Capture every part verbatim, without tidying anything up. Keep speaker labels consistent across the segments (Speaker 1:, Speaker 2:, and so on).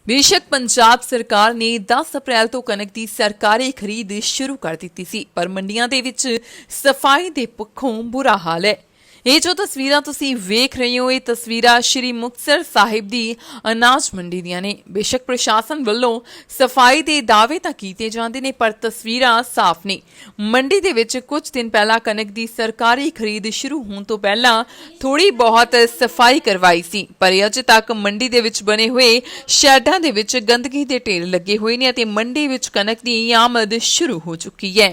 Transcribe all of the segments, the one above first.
Speaker 1: बेशक पंजाब सरकार ने दस अप्रैल तो कनक की सरकारी खरीद शुरू कर दी सी, पर मंडियां दे विच सफाई दे पक्षों बुरा हाल है। ਇਹ ਜੋ ਤਸਵੀਰਾਂ ਤੁਸੀਂ ਵੇਖ ਰਹੇ ਹੋ, ਇਹ ਤਸਵੀਰਾਂ ਸ਼੍ਰੀ ਮੁਕਤਸਰ ਸਾਹਿਬ ਦੀ ਅਨਾਜ ਮੰਡੀ ਦੀਆਂ ਨੇ। ਬੇਸ਼ੱਕ ਪ੍ਰਸ਼ਾਸਨ ਵੱਲੋਂ ਸਫਾਈ ਦੇ ਦਾਅਵੇ ਤਾਂ ਕੀਤੇ ਜਾਂਦੇ ਨੇ, ਪਰ ਤਸਵੀਰਾਂ ਸਾਫ਼ ਨੇ। ਮੰਡੀ ਦੇ ਵਿੱਚ ਕੁਝ ਦਿਨ ਪਹਿਲਾਂ ਕਣਕ ਦੀ ਸਰਕਾਰੀ ਖਰੀਦ ਸ਼ੁਰੂ ਹੋਣ ਤੋਂ ਪਹਿਲਾਂ ਥੋੜੀ ਬਹੁਤ ਸਫਾਈ ਕਰਵਾਈ ਸੀ, ਪਰ ਅਜੇ ਤੱਕ ਮੰਡੀ ਦੇ ਵਿੱਚ ਬਣੇ ਹੋਏ ਸ਼ੈਡਾਂ ਦੇ ਵਿੱਚ ਗੰਦਗੀ ਦੇ ਢੇਰ ਲੱਗੇ ਹੋਏ ਨੇ ਅਤੇ ਮੰਡੀ ਵਿੱਚ ਕਣਕ ਦੀ ਆਮਦ ਸ਼ੁਰੂ ਹੋ ਚੁੱਕੀ ਹੈ।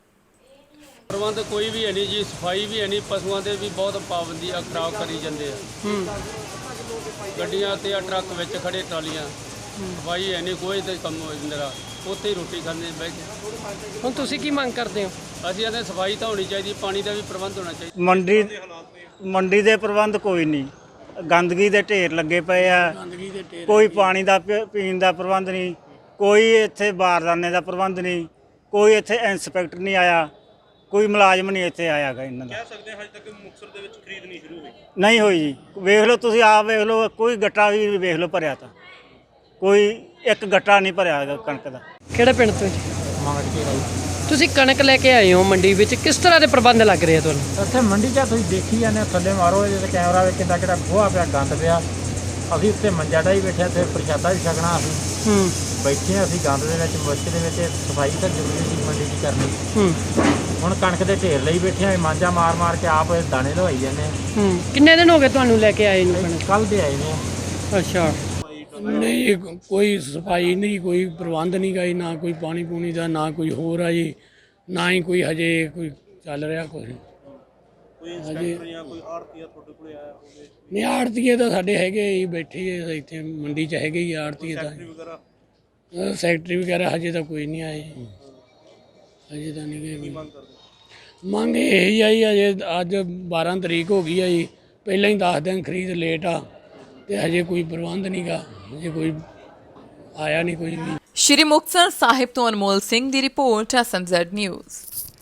Speaker 2: प्रबंध कोई भी है नहीं जी, सफाई भी है नहीं, पशुओं के भी बहुत पाबंदी खराब करी जाते हैं। गड्डियां ते ट्रक विच खड़े ट्रालियां, सफाई है नहीं, कोई तो कम हो जाता, उत्थे ही रोटी खाने बह के।
Speaker 3: ਹੁਣ ਤੁਸੀਂ ਕੀ ਮੰਗ ਕਰਦੇ ਹੋ?
Speaker 2: ਅਸੀਂ आते सफाई तो होनी चाहिए, पानी का भी प्रबंध होना चाहिए।
Speaker 4: ਮੰਡੀ ਮੰਡੀ ਦੇ ਪ੍ਰਬੰਧ ਕੋਈ ਨਹੀਂ, ਗੰਦਗੀ ਦੇ ਢੇਰ ਲੱਗੇ ਪਏ ਆ, ਕੋਈ ਪਾਣੀ ਦਾ ਪੀ- ਪੀਣ ਦਾ ਪ੍ਰਬੰਧ ਨਹੀਂ, ਕੋਈ ਇੱਥੇ ਬਾਰਦਾਨੇ ਦਾ ਪ੍ਰਬੰਧ ਨਹੀਂ, ਕੋਈ ਇੱਥੇ ਇੰਸਪੈਕਟਰ ਨਹੀਂ ਆਇਆ, ਕੋਈ ਮੁਲਾਜ਼ਮ ਨਹੀਂ ਇੱਥੇ ਆਇਆਗਾ। ਇਹਨਾਂ ਦਾ
Speaker 5: ਕਹਿ ਸਕਦੇ ਹਾਂ ਹਜੇ ਤੱਕ ਮੁਕਤਸਰ ਦੇ ਵਿੱਚ ਖਰੀਦ ਨਹੀਂ ਸ਼ੁਰੂ ਹੋਈ।
Speaker 4: ਨਹੀਂ ਹੋਈ ਜੀ। ਵੇਖ ਲਓ ਤੁਸੀਂ ਆਪ ਵੇਖ ਲਓ, ਕੋਈ ਗੱਟਾ ਵੀ ਵੇਖ ਲਓ ਭਰਿਆ, ਤਾਂ ਕੋਈ ਇੱਕ ਗੱਟਾ ਨਹੀਂ ਭਰਿਆ ਹੈਗਾ ਕਣਕ ਦਾ।
Speaker 3: ਕਿਹੜੇ ਪਿੰਡ ਤੋਂ ਜੀ? ਤੁਸੀਂ ਕਣਕ ਲੈ ਕੇ ਆਏ ਹੋ ਮੰਡੀ ਵਿੱਚ, ਕਿਸ ਤਰ੍ਹਾਂ ਦੇ ਪ੍ਰਬੰਧ ਲੱਗ ਰਹੇ ਆ ਤੁਹਾਨੂੰ?
Speaker 6: ਇੱਥੇ ਮੰਡੀ 'ਚ ਤੁਸੀਂ ਦੇਖੀ ਜਾਂਦੇ ਥੱਲੇ ਮਾਰੋ ਇਹਦੇ ਤੇ ਕੈਮਰਾ ਵਿੱਚ ਕਿੱਦਾਂ ਕਿਹੜਾ ਗੋਹਾ ਪਿਆ, ਗੰਦ ਪਿਆ। ਅਸੀਂ ਉੱਤੇ ਮੰਜਾ ਡਾ ਹੀ ਬੈਠੇ, ਤੇ ਪ੍ਰਸ਼ਾਦਾ ਵੀ ਛਕਣਾ। ਅਸੀਂ
Speaker 3: ਹੂੰ
Speaker 6: ਬੈਠੇ ਅਸੀਂ ਗੰਦ ਦੇ ਵਿੱਚ, ਮੁਸ਼ਕ ਦੇ ਵਿੱਚ। ਸਫਾਈ ਤਾਂ ਜ਼ਰੂਰੀ ਸੀ ਮੰਡੀ 'ਚ ਕਰਨੀ।
Speaker 3: ਹੂੰ
Speaker 6: ਹੁਣ ਕਣਕ ਦੇ ਢੇਰ ਲਈ ਬੈਠੇ ਆ, ਮਾਂਜਾ ਮਾਰ ਮਾਰ ਕੇ ਆਪ ਦਾਣੇ ਲਵਾਈ ਜਾਂਦੇ ਆ।
Speaker 3: ਹੂੰ ਕਿੰਨੇ ਦਿਨ ਹੋ ਗਏ ਤੁਹਾਨੂੰ ਲੈ ਕੇ ਆਏ ਨੂੰ ਕਣਕ?
Speaker 6: ਕੱਲ੍ਹ ਦੇ ਆਏ ਨੇ।
Speaker 3: ਅੱਛਾ,
Speaker 7: ਨਹੀਂ ਕੋਈ ਸਫਾਈ ਨਹੀਂ, ਕੋਈ ਪ੍ਰਬੰਧ ਨਹੀਂ ਗਾ ਜੀ, ਨਾ ਕੋਈ ਪਾਣੀ ਪੂਣੀ ਦਾ, ਨਾ ਕੋਈ ਹੋਰ ਆ ਜੀ, ਨਾ ਹੀ ਕੋਈ ਹਜੇ ਕੋਈ ਚੱਲ ਰਿਹਾ ਕੁਛ
Speaker 5: ਕੋਈ ਇੰਸਪੈਕਟਰ ਜਾਂ ਕੋਈ ਆੜਤੀਆ ਤੁਹਾਡੇ ਕੋਲ ਆਇਆ ਹੋਵੇ?
Speaker 7: ਨਹੀਂ। ਆੜਤੀਏ ਤਾਂ ਸਾਡੇ ਹੈਗੇ ਹੀ ਬੈਠੇ ਆ ਇੱਥੇ ਮੰਡੀ 'ਚ, ਹੈਗੇ ਹੀ ਆੜਤੀਏ ਤਾਂ।
Speaker 5: ਵਗੈਰਾ
Speaker 7: ਅਹ ਸੈਕਟਰੀ ਵਗੈਰਾ ਹਜੇ ਤਾਂ ਕੋਈ ਨਹੀਂ ਆਏ, ਹਜੇ ਤਾਂ ਨਹੀਂ ਗਏ।
Speaker 5: ਮੰਗ ਕਰਦੇ?
Speaker 7: ਮੰਗ ਇਹ ਹੀ ਆ ਜੀ, ਅਜੇ ਅੱਜ ਬਾਰਾਂ ਤਰੀਕ ਹੋ ਗਈ ਆ ਜੀ, ਪਹਿਲਾਂ ਹੀ ਦਸ ਦਿਨ ਖਰੀਦ ਲੇਟ ਆ, ਤੇ ਹਜੇ ਕੋਈ ਪ੍ਰਬੰਧ ਨਹੀਂ ਗਾ, ਹਜੇ ਕੋਈ ਆਇਆ ਨਹੀਂ ਕੋਈ ਵੀ।
Speaker 1: ਸ਼੍ਰੀ ਮੁਕਤਸਰ ਸਾਹਿਬ ਤੋਂ ਅਨਮੋਲ ਸਿੰਘ ਦੀ report, S M Z news.